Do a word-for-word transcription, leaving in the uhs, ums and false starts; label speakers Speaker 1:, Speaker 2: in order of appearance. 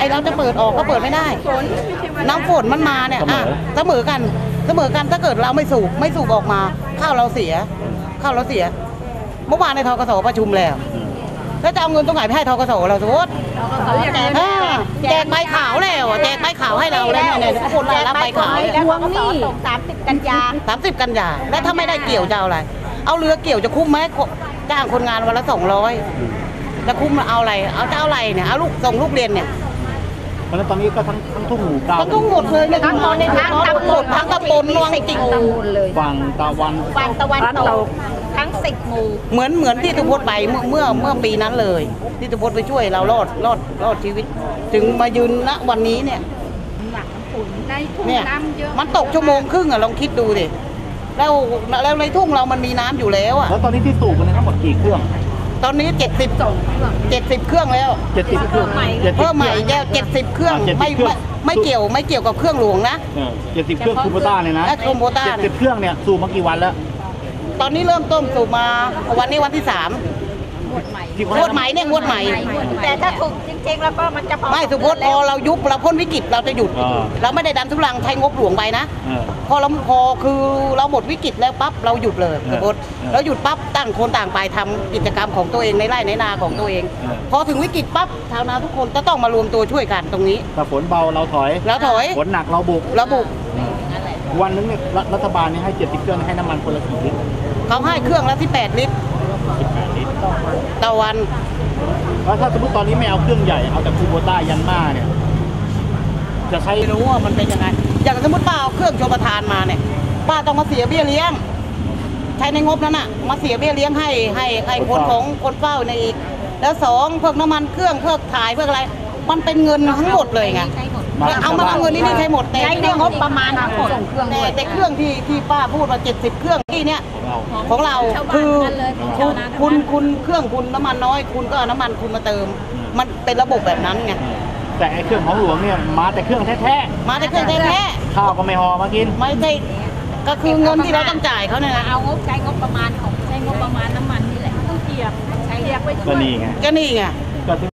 Speaker 1: เราจะเปิดออกก็เปิดไม่ได้น้ำฝนมันมาเนี่ยอ่ะเสมอกันเสมอกันถ้าเกิดเราไม่สูบไม่สูบออกมาข้าวเราเสียข้าวเราเสียเมื่อวานในทกสประชุมแล้วแล้วจะเอาเงินตรงไหนไปให้ทกสเราสมมติแจกใบขาวแล้วแจกใบขาวให้เราแล้วเนี่ยทุกคนได้รับใบขาวทวงหนี้สามสิบกันยาสามสิบกันยาแล้วถ้าไม่ได้เกี่ยวจะเอาอะไรเอาเรือเกี่ยวจะคุ้มไหมจ้างคนงานวันละสองร้อยจะคุ้มเอาอะไรเอาจะเอาอะไรเนี่ยเอาลูกส่งลูกเรียนเนี่ย
Speaker 2: เพราะฉะนั้นตอนนี้ก็ทั้งทั้งทุ่งหมู่เก่า
Speaker 1: ทั้งทุ่งหมดเลยทั้งตอนในทั้งตำบลทั้งตำบลนวงจริงเลย
Speaker 2: ฝั่งตะวัน
Speaker 3: ฝั่งตะวันตกทั้งสิบหมู่
Speaker 1: เหมือนเหมือนที่ตุพจน์ไปเมื่อเมื่อเมื่อปีนั้นเลยที่ตุพจน์ไปช่วยเรารอดรอดรอดชีวิตถึงมายืนณวันนี้เนี่ยเนี่ยมันตกชั่วโมงครึ่งอะลองคิดดูดิแล้วแล้วในทุ่งเรามันมีน้ำอยู่แล้วอะ
Speaker 2: แล้วตอนนี้ที่สูบมันทั้งหมดกี่เครื่อง
Speaker 1: ตอนนี้เจ็ดสิบเจ็ดสิบเครื่องแล้ว
Speaker 2: เจ็ดสิบเครื่อง
Speaker 1: เพิ่มใหม่แล้วเจ็ดสิบเครื่องไม่ไม่เกี่ยวไม่เกี่ยวกับเครื่องหลวงนะ
Speaker 2: เจ็ดสิบเครื่องคูโบต้าเลยนะ
Speaker 1: คูโบต้า
Speaker 2: เจ็ดสิบเครื่องเนี่ยสูบมากี่วันแล้ว
Speaker 1: ตอนนี้เริ่มต้นสูบมาวันนี้วันที่สามงวดใหม่งวดใหม่เนี่ยงวดใหม่
Speaker 3: แต่ถ้าถูกจริงๆแล้วก็มันจะพอ
Speaker 1: ไม่สุพจน์พอเรายุบเราพ้นวิกฤตเราจะหยุดเราไม่ได้ดันทุลังใช้งบหลวงไปนะพอเราพอคือเราหมดวิกฤตแล้วปั๊บเราหยุดเลยสุพจน์เราหยุดปั๊บตั้งคนต่างไปทำกิจกรรมของตัวเองในไร่ในนาของตัวเองพอถึงวิกฤตปั๊บชาวนาทุกคนจะต้องมารวมตัวช่วยกันตรงนี้
Speaker 2: ถ้าฝนเบาเราถอย
Speaker 1: เราถอย
Speaker 2: ฝนหนักเราบุก
Speaker 1: เราบุก
Speaker 2: วันนึงเนี่ยรัฐบาลนี่ให้เจ็ดสิบเครื่องให้น้ำมันคนละกี่ลิตร
Speaker 1: เขาให้เครื่องละสิบแปดลิตรต่อวัน
Speaker 2: แล้วถ้าสมมติตอนนี้ไม่เอาเครื่องใหญ่เอาแต่คูโบต้ายันมาเนี่ยจะใช้
Speaker 1: รู้ว่ามันเป็นยังไงอย่างสมมติป้าเอาเครื่องชลประทานมาเนี่ยป้าต้องมาเสียเบี้ยเลี้ยงใช้ในงบนั้นน่ะมาเสียเบี้ยเลี้ยงให้ให้ให้คนของคนเฝ้าในอีกแล้วสองเพิ่มน้ำมันเครื่องเพิ่มถ่ายเพิ่มอะไรมันเป็นเงินทั้งหมดเลยไงเอามาเอาเงินนี่นี่ใช้หมด
Speaker 3: ใช้ในงบประมาณทั้งหมด
Speaker 1: แต่แต่เครื่องที่ที่ป้าพูดว่าเจ็ดสิบเครื่องที่เนี้ยของเราคือคุณคุณเครื่องคุณน้ำมันน้อยคุณก็เอาน้ำมันคุณมาเติมมันเป็นระบบแบบนั้นไง
Speaker 2: แต่เครื่องของหลวงเนี่ยมาแต่เครื่องแท้
Speaker 1: ๆมาแต่เครื่องแท้
Speaker 2: ๆข้าวก็ไม่ห่อมากิน
Speaker 1: ไม่ใช่ก็คือเงินที่เราต้องจ่ายเขาเนี่ยนะ
Speaker 3: เอางบใช้งบประมาณของใช้งบประมาณน้ำมันนี่แหละต้องเกียบใช้เกียบไว้ช่วย
Speaker 2: ก็นี่ไง
Speaker 1: ก็นี่ไง